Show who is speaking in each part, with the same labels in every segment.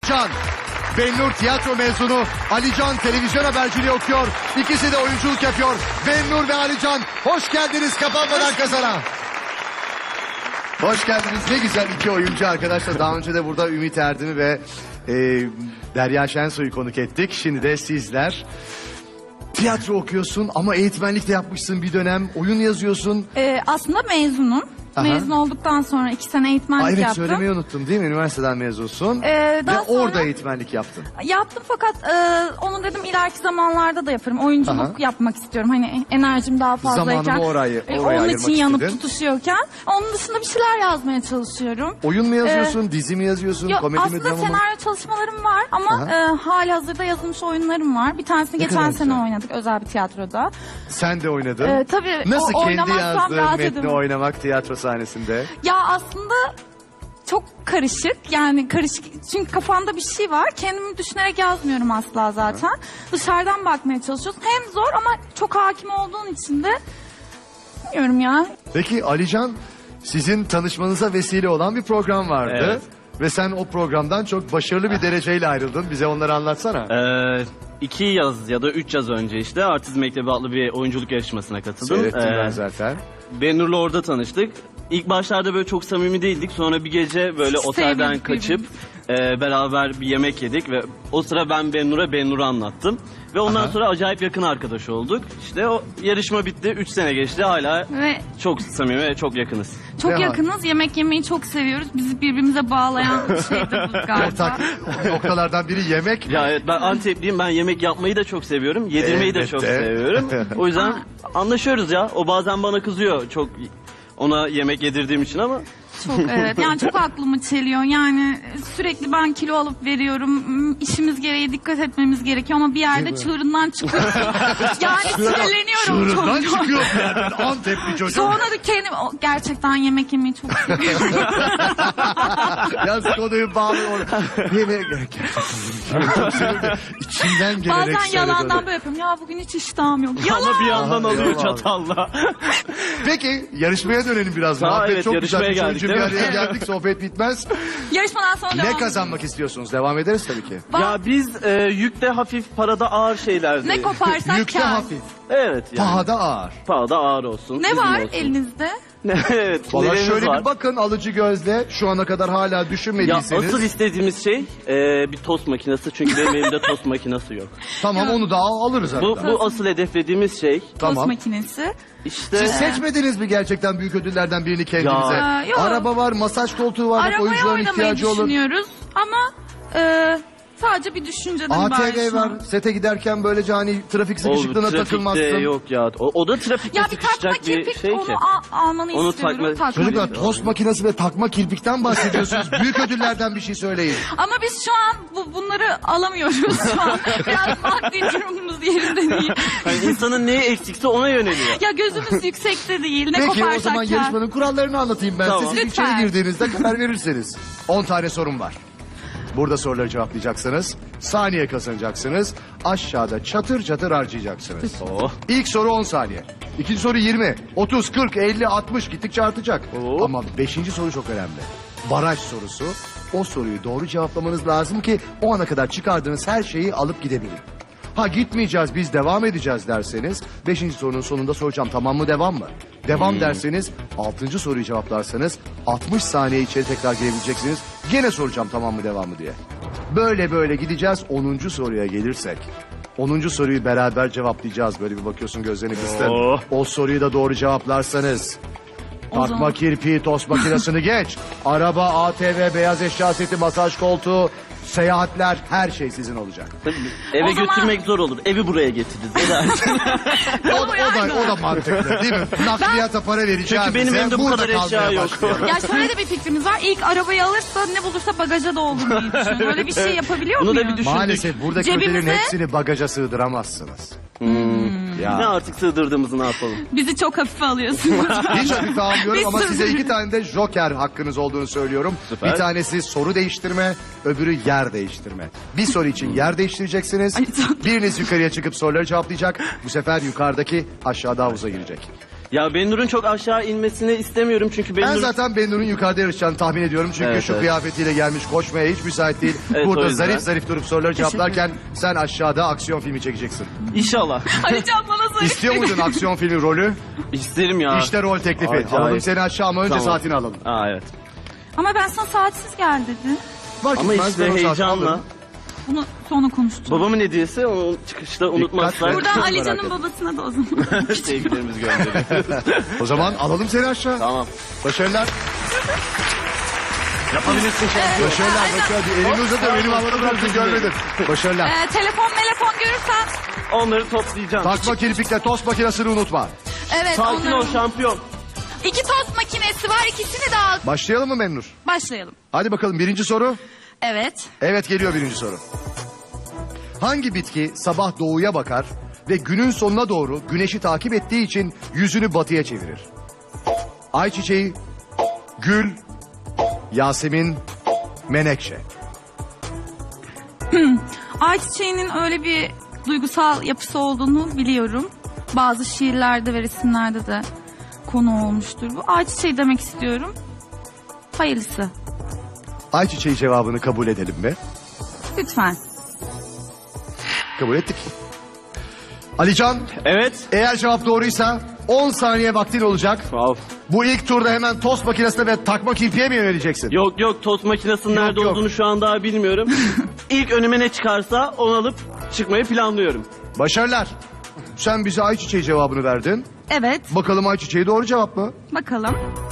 Speaker 1: Can. Bennur tiyatro mezunu, Ali Can televizyon haberciliği okuyor. İkisi de oyunculuk yapıyor. Bennur ve Ali Can, hoş geldiniz Kapanmadan Kazana. Hoş geldiniz. Ne güzel iki oyuncu arkadaşlar. Daha önce de burada Ümit Erdem'i ve Derya Şensoy'u konuk ettik. Şimdi de sizler. Tiyatro okuyorsun ama eğitmenlik de yapmışsın bir dönem. Oyun yazıyorsun.
Speaker 2: Aslında mezunum.
Speaker 1: Aha.
Speaker 2: Mezun olduktan sonra 2 sene eğitmenlik
Speaker 1: Evet,
Speaker 2: yaptım.
Speaker 1: söylemeyi unuttum değil mi? Üniversiteden mezunsun.
Speaker 2: Daha
Speaker 1: Ve
Speaker 2: sonra
Speaker 1: orada eğitmenlik yaptın.
Speaker 2: yaptım fakat onu dedim ileriki zamanlarda da yaparım. Oyunculuk
Speaker 1: Aha.
Speaker 2: yapmak istiyorum. Hani enerjim daha fazlayken.
Speaker 1: Zamanını oraya
Speaker 2: onun
Speaker 1: ayırmak
Speaker 2: için yanıp
Speaker 1: istedin.
Speaker 2: tutuşuyorken. Onun dışında bir şeyler yazmaya çalışıyorum.
Speaker 1: Oyun mu yazıyorsun, dizi mi yazıyorsun,
Speaker 2: Yok,
Speaker 1: komedi mi,
Speaker 2: aslında
Speaker 1: drama mı?
Speaker 2: senaryo çalışmalarım var ama hali hazırda yazılmış oyunlarım var. Bir tanesini
Speaker 1: Ne
Speaker 2: geçen
Speaker 1: kadar
Speaker 2: sene
Speaker 1: güzel.
Speaker 2: oynadık özel bir tiyatroda.
Speaker 1: Sen de oynadın.
Speaker 2: Tabii
Speaker 1: Nasıl kendi
Speaker 2: oynamazsam
Speaker 1: yazdığın
Speaker 2: rahat
Speaker 1: metni
Speaker 2: edemem.
Speaker 1: oynamak tiyatro sahnesinde?
Speaker 2: Ya aslında çok karışık, yani karışık çünkü kafamda bir şey var, kendimi düşünerek yazmıyorum asla zaten. Dışarıdan bakmaya çalışıyorsun, hem zor ama çok hakim olduğun için de bilmiyorum ya.
Speaker 1: Peki Alican, sizin tanışmanıza vesile olan bir program vardı.
Speaker 3: Evet.
Speaker 1: Ve sen o programdan çok başarılı bir dereceyle ayrıldın. Bize onları anlatsana.
Speaker 3: 2 yaz ya da 3 yaz önce işte Artist Mektebi adlı bir oyunculuk yarışmasına katıldım.
Speaker 1: Seyrettim ben zaten.
Speaker 3: Bennur'la orada tanıştık. İlk başlarda böyle çok samimi değildik. Sonra bir gece böyle otelden
Speaker 2: Sevmedik
Speaker 3: kaçıp beraber bir yemek yedik ve o sıra ben Bennur'u anlattım. Ve ondan
Speaker 1: Aha.
Speaker 3: sonra acayip yakın arkadaş olduk. İşte o yarışma bitti. 3 sene geçti. Hala
Speaker 2: Ve
Speaker 3: çok samimi ve çok yakınız.
Speaker 2: çok
Speaker 1: Ne
Speaker 2: yakınız, yemek yemeyi çok seviyoruz. Bizi birbirimize bağlayan şey de bu galiba.
Speaker 1: Ortak noktalardan biri yemek.
Speaker 3: Ya evet, ben Antepliyim. Ben yemek yapmayı da çok seviyorum. Yedirmeyi de çok
Speaker 1: Elbette.
Speaker 3: seviyorum. O yüzden anlaşıyoruz ya. O bazen bana kızıyor çok ona yemek yedirdiğim için ama
Speaker 2: Çok evet, yani çok aklımı çeliyor. Yani sürekli ben kilo alıp veriyorum. İşimiz gereği dikkat etmemiz gerekiyor ama bir yerde çığırından çıkıyor. Yani sinirleniyorum çok.
Speaker 1: Çığırından çıkıyor bir yerden Antepli çocuk.
Speaker 2: Sonra da kendim gerçekten yemek yemeyi çok seviyorum.
Speaker 1: Yaz konuyu bağlıyor. Yemeğe gerçekten çok sevindim. İçinden gelerek
Speaker 2: Bazen
Speaker 1: söyledi
Speaker 2: yalandan
Speaker 1: onu.
Speaker 2: böyle yapıyorum. Ya bugün hiç iştahım yok. Yalan.
Speaker 3: ama bir yandan
Speaker 1: Aha,
Speaker 3: alıyor
Speaker 1: eyvallah.
Speaker 3: çatalla.
Speaker 1: Peki yarışmaya dönelim biraz.
Speaker 3: Ha,
Speaker 1: Muhabbet
Speaker 3: evet,
Speaker 1: çok güzel.
Speaker 3: yarışmaya
Speaker 1: Üç oyuncu
Speaker 3: geldik,
Speaker 1: bir
Speaker 3: değil mi?
Speaker 1: araya geldik, sohbet bitmez.
Speaker 2: Yarışmadan sonra
Speaker 1: Ne
Speaker 2: devam
Speaker 1: kazanmak istiyorsunuz? Devam ederiz tabii ki.
Speaker 3: Ya biz yükte hafif, parada ağır şeylerdi.
Speaker 2: ne koparsak
Speaker 1: Yükte
Speaker 2: kâr.
Speaker 1: hafif,
Speaker 3: Evet yani.
Speaker 1: pahada ağır.
Speaker 3: Pahada ağır olsun.
Speaker 2: Ne
Speaker 3: bizim
Speaker 2: var
Speaker 3: olsun.
Speaker 2: elinizde?
Speaker 3: Evet.
Speaker 1: Valla
Speaker 3: nelerimiz
Speaker 1: şöyle
Speaker 3: var.
Speaker 1: bir bakın alıcı gözle, şu ana kadar hala
Speaker 3: Ya
Speaker 1: düşünmediyseniz.
Speaker 3: asıl istediğimiz şey bir tost makinesi, çünkü benim elimde tost makinesi yok.
Speaker 1: Tamam, onu da alırız hatta.
Speaker 3: Bu asıl hedeflediğimiz şey.
Speaker 2: Tost
Speaker 1: Tamam.
Speaker 2: makinesi.
Speaker 3: İşte
Speaker 1: Siz seçmediniz mi gerçekten büyük ödüllerden birini kendinize?
Speaker 2: Ya, yok.
Speaker 1: Araba var, masaj koltuğu var, bak
Speaker 2: Arabaya
Speaker 1: oyuncuların
Speaker 2: oynamayı
Speaker 1: ihtiyacı olur.
Speaker 2: düşünüyoruz ama sadece bir düşünceden ibaret
Speaker 1: ATV
Speaker 2: şu
Speaker 1: var,
Speaker 2: an.
Speaker 1: sete giderken böylece hani trafik sıkışıklığına
Speaker 3: trafikte
Speaker 1: takılmazsın.
Speaker 3: yok ya. O da trafikte
Speaker 2: Ya bir takma
Speaker 3: sıkışacak bir
Speaker 2: kirpik
Speaker 3: şey
Speaker 2: onu
Speaker 3: ki.
Speaker 2: almanı
Speaker 3: Onu
Speaker 2: istiyorum.
Speaker 3: takma-
Speaker 2: Takma.
Speaker 1: Çocuklar, tost makinesi ve takma kirpikten bahsediyorsunuz. Büyük ödüllerden bir şey söyleyin.
Speaker 2: Ama biz şu an bunları alamıyoruz şu an. Biraz maddi durumumuz yerinde değil.
Speaker 3: Yani insanın neye eksikse ona yöneliyor.
Speaker 2: Ya gözümüz yüksekte değil. Ne
Speaker 1: Peki o
Speaker 2: koparsak
Speaker 1: zaman
Speaker 2: kâr.
Speaker 1: yarışmanın kurallarını anlatayım ben
Speaker 3: Tamam.
Speaker 1: size. Siz
Speaker 2: Lütfen.
Speaker 1: içeri girdiğinizde karar verirseniz. 10 tane sorum var. Burada soruları cevaplayacaksınız. Saniye kazanacaksınız. Aşağıda çatır çatır harcayacaksınız.
Speaker 3: Oh.
Speaker 1: İlk soru 10 saniye. İkinci soru 20, 30, 40, 50, 60 gittikçe artacak.
Speaker 3: Oo.
Speaker 1: Ama 5. soru çok önemli. Baraj sorusu. O soruyu doğru cevaplamanız lazım ki o ana kadar çıkardığınız her şeyi alıp gidebilin. Ha gitmeyeceğiz biz devam edeceğiz derseniz 5. sorunun sonunda soracağım tamam mı devam mı? Devam derseniz 6. soruyu cevaplarsanız 60 saniye içeri tekrar girebileceksiniz. Gene soracağım tamam mı devam mı diye. Böyle böyle gideceğiz 10. soruya gelirsek. 10. soruyu beraber cevaplayacağız. Böyle bir bakıyorsun gözlerini kıstın.
Speaker 3: Oh.
Speaker 1: O soruyu da doğru cevaplarsanız. Takma
Speaker 2: zaman-
Speaker 1: kirpiği, tost makinesini geç. Araba, ATV, beyaz eşya seti, masaj koltuğu, seyahatler her şey sizin olacak.
Speaker 3: Tabii, eve
Speaker 2: O zaman-
Speaker 3: götürmek zor olur. Evi buraya getiririz. Ne dersin?
Speaker 1: O da mantıklı değil mi? Nakliyata para vereceğiz.
Speaker 3: Çünkü benim elimde bu
Speaker 1: burada
Speaker 3: kadar eşya
Speaker 1: kalmaya
Speaker 3: yok.
Speaker 1: başlayalım.
Speaker 2: Ya şöyle de bir fikrimiz var. İlk arabayı alırsa ne bulursa bagaja doldurmayı düşünüyorum. Böyle bir şey yapabiliyor
Speaker 3: Bunu da
Speaker 2: muyuz?
Speaker 3: bir düşün.
Speaker 1: Maalesef buradaki
Speaker 2: Cebimize-
Speaker 1: ödüllerin hepsini bagaja sığdıramazsınız.
Speaker 3: Ne
Speaker 1: Ya.
Speaker 3: artık sığdırdığımızı ne yapalım?
Speaker 2: Bizi çok hafife alıyorsunuz.
Speaker 1: Hiç hafife almıyorum
Speaker 2: Biz
Speaker 1: ama size
Speaker 2: sığdır-
Speaker 1: 2 tane de joker hakkınız olduğunu söylüyorum.
Speaker 3: Süper.
Speaker 1: Bir tanesi soru değiştirme, öbürü yer değiştirme. Bir soru için yer değiştireceksiniz.
Speaker 2: Ay, çok-
Speaker 1: Biriniz yukarıya çıkıp soruları cevaplayacak. Bu sefer yukarıdaki aşağıda havuza girecek.
Speaker 3: Ya Benur'un çok aşağı inmesini istemiyorum çünkü
Speaker 1: Ben
Speaker 3: Benur...
Speaker 1: zaten Benur'un yukarıda yarışacağını tahmin ediyorum. Çünkü
Speaker 3: Evet,
Speaker 1: şu
Speaker 3: evet.
Speaker 1: kıyafetiyle gelmiş, koşmaya hiç müsait değil.
Speaker 3: Evet, o
Speaker 1: Burada
Speaker 3: yüzden.
Speaker 1: zarif zarif durup soruları cevaplarken sen aşağıda aksiyon filmi çekeceksin.
Speaker 3: İnşallah.
Speaker 2: Alican bana söyle.
Speaker 1: İstiyor muydun aksiyon filmi rolü?
Speaker 3: İsterim ya.
Speaker 1: İşte rol teklifi.
Speaker 3: Acayip.
Speaker 1: Alalım seni aşağı ama önce
Speaker 3: Tamam.
Speaker 1: saatini alalım.
Speaker 3: Aa evet.
Speaker 2: Ama ben sana saatsiz gel dedim.
Speaker 1: Fark
Speaker 3: Ama
Speaker 1: etmez,
Speaker 3: işte
Speaker 1: ben o saati
Speaker 3: heyecanla.
Speaker 1: alırım.
Speaker 2: Bunu sonra konuşacağız.
Speaker 3: Babamın hediyesi onu çıkışta unutmazlar.
Speaker 2: Buradan
Speaker 1: Merak
Speaker 2: Alican'ın
Speaker 1: etme.
Speaker 2: babasına da o zaman.
Speaker 3: Sevgilerimizi gönderiyoruz.
Speaker 1: O zaman alalım seni aşağı.
Speaker 3: Tamam.
Speaker 1: Başarılar.
Speaker 3: Yapabilirsin şampiyon.
Speaker 1: Başarılar. Başarılar. Elini uzatın. Benim havada bıraktın görmedin. Başarılar.
Speaker 2: Telefon görürsen.
Speaker 3: Onları toplayacağım.
Speaker 1: Takma kirpikle tost makinesini unutma.
Speaker 2: Evet
Speaker 3: Sakin ol
Speaker 2: onların.
Speaker 3: şampiyon.
Speaker 2: 2 tost makinesi var, ikisini de al.
Speaker 1: Başlayalım mı Memnur?
Speaker 2: Başlayalım.
Speaker 1: Hadi bakalım birinci soru.
Speaker 2: Evet.
Speaker 1: Evet geliyor birinci soru. Hangi bitki sabah doğuya bakar ve günün sonuna doğru güneşi takip ettiği için yüzünü batıya çevirir? Ayçiçeği, gül, Yasemin, menekşe.
Speaker 2: Ayçiçeğinin öyle bir duygusal yapısı olduğunu biliyorum. Bazı şiirlerde ve resimlerde de konu olmuştur bu. Ayçiçeği demek istiyorum. Hayırlısı.
Speaker 1: Ayçiçeği cevabını kabul edelim mi?
Speaker 2: Lütfen.
Speaker 1: Kabul ettik. Alican,
Speaker 3: Evet.
Speaker 1: eğer cevap doğruysa 10 saniye vaktin olacak.
Speaker 3: Of.
Speaker 1: Bu ilk turda hemen tost makinesine ve takma kirpiğe mi yöneleceksin?
Speaker 3: Yok tost makinesinin
Speaker 1: Yok,
Speaker 3: nerede
Speaker 1: yok.
Speaker 3: olduğunu şu an daha bilmiyorum. İlk önüme ne çıkarsa onu alıp çıkmayı planlıyorum.
Speaker 1: Başarılar. Sen bize ayçiçeği cevabını verdin.
Speaker 2: Evet.
Speaker 1: Bakalım ayçiçeği doğru cevap mı?
Speaker 2: Bakalım.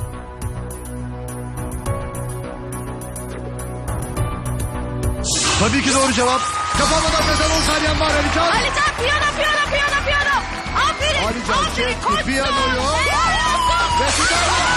Speaker 1: Tabii ki doğru cevap. Kapanmadan mezar 10 saniyen var Alican.
Speaker 2: Alican piyano. Aferin.
Speaker 1: Alican
Speaker 2: Aferin
Speaker 1: çekti
Speaker 2: koçum.
Speaker 1: piyanoyu.
Speaker 2: Helal olsun.
Speaker 1: Ve fidan.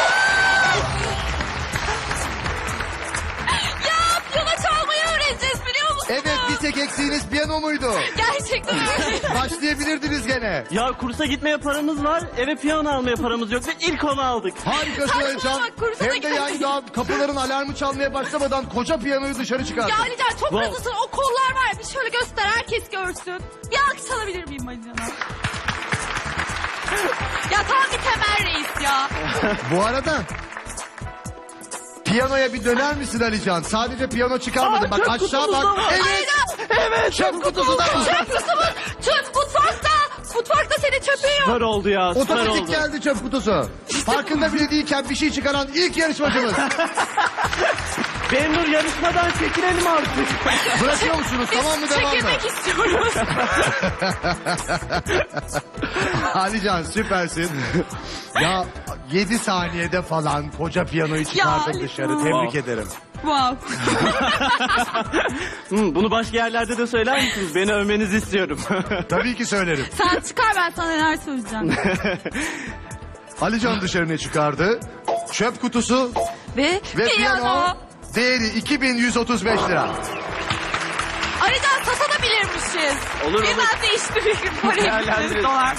Speaker 2: Ya piyano çalmayı öğreneceğiz biliyor musun?
Speaker 1: Evet bir tek eksiğiniz piyano muydu?
Speaker 2: Gerçekten öyle.
Speaker 1: Başlayabilirdiniz gene.
Speaker 3: Ya kursa gitmeye paramız var, eve piyano almaya paramız yok ve ilk onu aldık.
Speaker 1: Harikasın
Speaker 2: Saçmalama,
Speaker 1: Alican.
Speaker 2: kursa da
Speaker 1: Hem de yani daha kapıların alarmı çalmaya başlamadan koca piyanoyu dışarı çıkardın.
Speaker 2: Ya Alican çok
Speaker 3: Wow.
Speaker 2: hızlısın. O kollar var ya, bir şöyle göster herkes görsün. Bir alkış alabilir miyim Alican'a? Ya tam bir Temel Reis ya.
Speaker 1: Bu arada piyanoya bir döner misin Alican? Sadece piyano çıkarmadın. Bak
Speaker 3: çöp
Speaker 1: aşağı
Speaker 3: kutumuz
Speaker 1: bak.
Speaker 3: da var.
Speaker 1: Evet.
Speaker 3: Evet.
Speaker 1: Çöp kutusu da var.
Speaker 2: Çöp kutumu. Çöp mutfakta. Mutfakta senin çöpün yok.
Speaker 3: Süper oldu ya, süper
Speaker 1: Otomatik
Speaker 3: oldu.
Speaker 1: geldi çöp kutusu. Farkında bile değilken bir şey çıkaran ilk yarışmacımız.
Speaker 3: Benur yarışmadan çekilelim artık.
Speaker 1: Bırakıyor musunuz? Tamam mı devam mı?
Speaker 2: Çekilmek istiyoruz.
Speaker 1: Alican süpersin. Ya 7 saniyede falan koca piyanoyu çıkardık
Speaker 2: Ali,
Speaker 1: dışarı.
Speaker 2: tamam.
Speaker 1: Tebrik
Speaker 3: Wow.
Speaker 1: ederim.
Speaker 2: Wow.
Speaker 3: Bunu başka yerlerde de söyler misiniz? Beni övmenizi istiyorum.
Speaker 1: Tabii ki söylerim.
Speaker 2: Sen çıkar ben sana neler söyleyeceğim.
Speaker 1: Alican dışarı ne çıkardı? Çöp kutusu
Speaker 2: Ve
Speaker 1: ve
Speaker 2: piyano.
Speaker 1: piyano. Değeri 2135 lira.
Speaker 2: Alican satabilirmişiz.
Speaker 3: Olur,
Speaker 2: Birden
Speaker 3: olur.
Speaker 2: değiştirir. Parayı
Speaker 3: Değerlendiririz.
Speaker 2: dolar.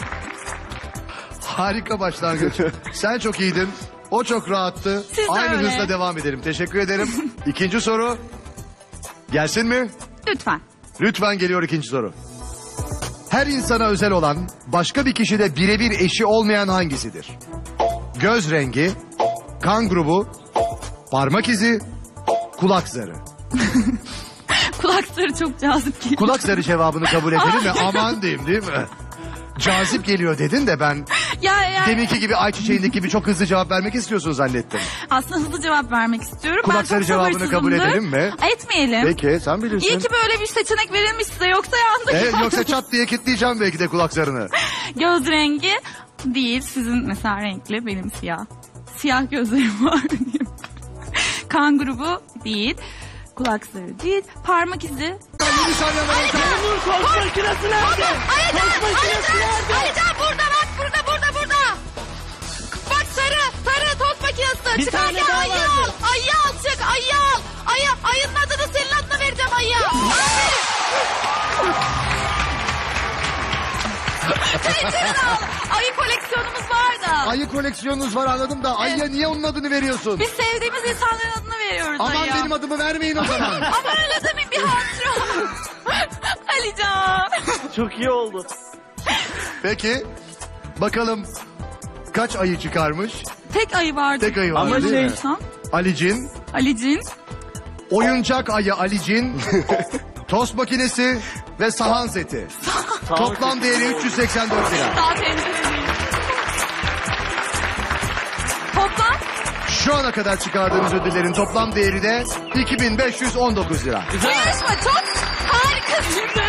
Speaker 1: Harika başlangıç. Sen çok iyiydin. O çok rahattı.
Speaker 2: Siz de
Speaker 1: Aynı
Speaker 2: öyle.
Speaker 1: hızla devam edelim. Teşekkür ederim. İkinci soru. Gelsin mi?
Speaker 2: Lütfen.
Speaker 1: Lütfen geliyor ikinci soru. Her insana özel olan, başka bir kişide birebir eşi olmayan hangisidir? Göz rengi, kan grubu, parmak izi, kulak zarı.
Speaker 2: Kulakları çok cazip geliyor.
Speaker 1: Kulak zarı cevabını kabul edelim mi? Aman diyeyim değil mi? Cazip geliyor dedin de ben
Speaker 2: Ya
Speaker 1: deminki gibi ayçiçeğindeki gibi çok hızlı cevap vermek istiyorsun zannettim.
Speaker 2: aslında hızlı cevap vermek istiyorum.
Speaker 1: Kulak
Speaker 2: Ben çok
Speaker 1: zarı cevabını kabul
Speaker 2: sabırsızımdır.
Speaker 1: edelim mi?
Speaker 2: Etmeyelim.
Speaker 1: Peki sen bilirsin.
Speaker 2: İyi ki böyle bir seçenek verilmiş size yoksa yandık.
Speaker 1: Evet, yoksa çat diye kilitleyeceğim belki de kulak zarını.
Speaker 2: Göz rengi değil. Sizin mesela renkli, benim siyah. Siyah gözlerim var diyeyim. Kan grubu değil. Kulak zarı değil. Parmak izi.
Speaker 1: Bir saniye var.
Speaker 3: Benur tost makinesi nerede? Tost makinesi nerede?
Speaker 2: Alican burada bak, burada. Bak sarı tost makinesi.
Speaker 3: Bir tane daha
Speaker 2: ayı
Speaker 3: vardı.
Speaker 2: al. Ayı al çık, ayı al. Ayının adını senin adına vereceğim ayı. Aferin. Pencereni al. Ayı koleksiyonumuz var da.
Speaker 1: Ayı koleksiyonunuz var anladım da ayıya niye onun adını veriyorsun?
Speaker 2: Biz sevdiğimiz insanların adını veriyoruz
Speaker 1: Aman
Speaker 2: ayıya.
Speaker 1: benim adımı vermeyin o zaman.
Speaker 2: Ama öyle demeyin, bir hatıra. Alican.
Speaker 3: Çok iyi oldu.
Speaker 1: Peki bakalım kaç ayı çıkarmış?
Speaker 2: Tek ayı vardı.
Speaker 1: Tek ayı vardı
Speaker 3: Ama
Speaker 1: değil mi?
Speaker 3: şey-
Speaker 1: Alicin,
Speaker 2: Alicin.
Speaker 1: oyuncak ayı Alicin, tost makinesi ve sahan seti. Toplam değeri 384 lira.
Speaker 2: Daha tencere değil. Toplam
Speaker 1: Şu ana kadar çıkardığımız ödüllerin toplam değeri de 2519 lira.
Speaker 2: bu yarışma çok harikasın.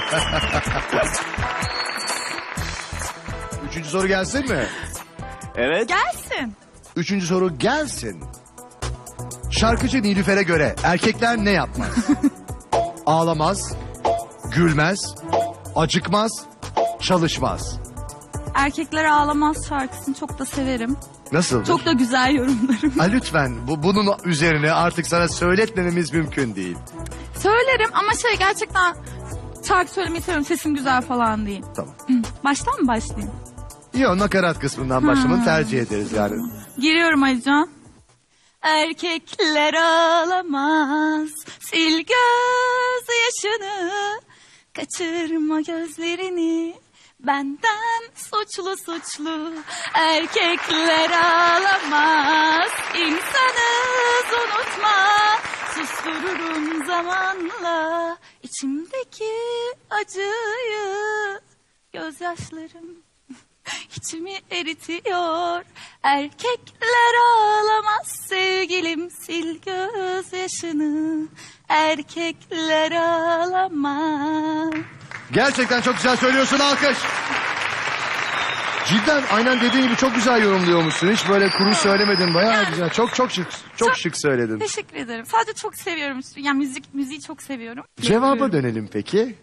Speaker 1: Üçüncü soru gelsin mi?
Speaker 3: Evet.
Speaker 2: Gelsin.
Speaker 1: Üçüncü soru gelsin. Şarkıcı Nilüfer'e göre erkekler ne yapmaz? Ağlamaz, gülmez, acıkmaz, çalışmaz.
Speaker 2: Erkekler Ağlamaz şarkısını çok da severim.
Speaker 1: Nasıl?
Speaker 2: Çok da güzel yorumlarım.
Speaker 1: Ha, lütfen bunun üzerine artık sana söyletmememiz mümkün değil.
Speaker 2: Söylerim ama gerçekten şarkı söylemeyi seviyorum. Sesim güzel falan değil.
Speaker 1: Tamam.
Speaker 2: Baştan mı başlayayım?
Speaker 1: Yok, nakarat kısmından başlamanı tercih ederiz yani.
Speaker 2: Giriyorum Alican. Erkekler ağlamaz, sil göz yaşını, kaçırma gözlerini, benden suçlu suçlu. Erkekler ağlamaz, insanız unutma, sustururum zamanla içimdeki acıyı, gözyaşlarım İçimi eritiyor. Erkekler ağlamaz sevgilim, sil gözyaşını. Erkekler ağlamaz.
Speaker 1: Gerçekten çok güzel söylüyorsun, alkış. Cidden aynen dediğin gibi çok güzel yorumluyormuşsun. Hiç böyle kuru söylemedin, bayağı güzel. Çok şık, çok şık söyledin.
Speaker 2: Teşekkür ederim. Sadece çok seviyorum. Yani müziği çok seviyorum.
Speaker 1: Cevaba
Speaker 2: Yapıyorum.
Speaker 1: dönelim peki.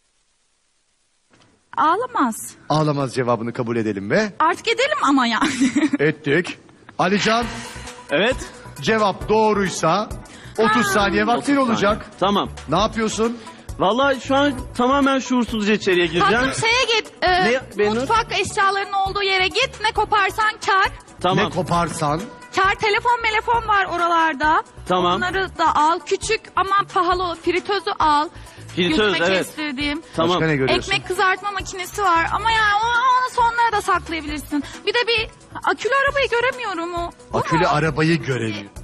Speaker 2: Ağlamaz.
Speaker 1: Ağlamaz cevabını kabul edelim mi?
Speaker 2: Artık edelim ama yani.
Speaker 1: Ettik. Alican,
Speaker 3: Evet.
Speaker 1: cevap doğruysa 30 saniye vaktin olacak.
Speaker 3: Tamam.
Speaker 1: Ne yapıyorsun?
Speaker 3: Vallahi şu an tamamen şuursuzca içeriye gireceğim.
Speaker 2: Tatlım şeye git.
Speaker 3: Benur?
Speaker 2: Mutfak eşyalarının olduğu yere git. Ne koparsan kar.
Speaker 3: Tamam.
Speaker 1: Ne koparsan.
Speaker 2: Kar telefon var oralarda.
Speaker 3: Tamam.
Speaker 2: Onları da al. Küçük ama pahalı fritözü al.
Speaker 3: Fritöz,
Speaker 2: Gözüme
Speaker 3: evet.
Speaker 2: kestirdiğim.
Speaker 3: Tamam.
Speaker 1: Başka ne görüyorsun?
Speaker 2: Ekmek kızartma makinesi var ama yani onu sonlara da saklayabilirsin. Bir de bir akülü arabayı göremiyorum o. Bu
Speaker 1: Akülü
Speaker 2: mu?
Speaker 1: arabayı görelim.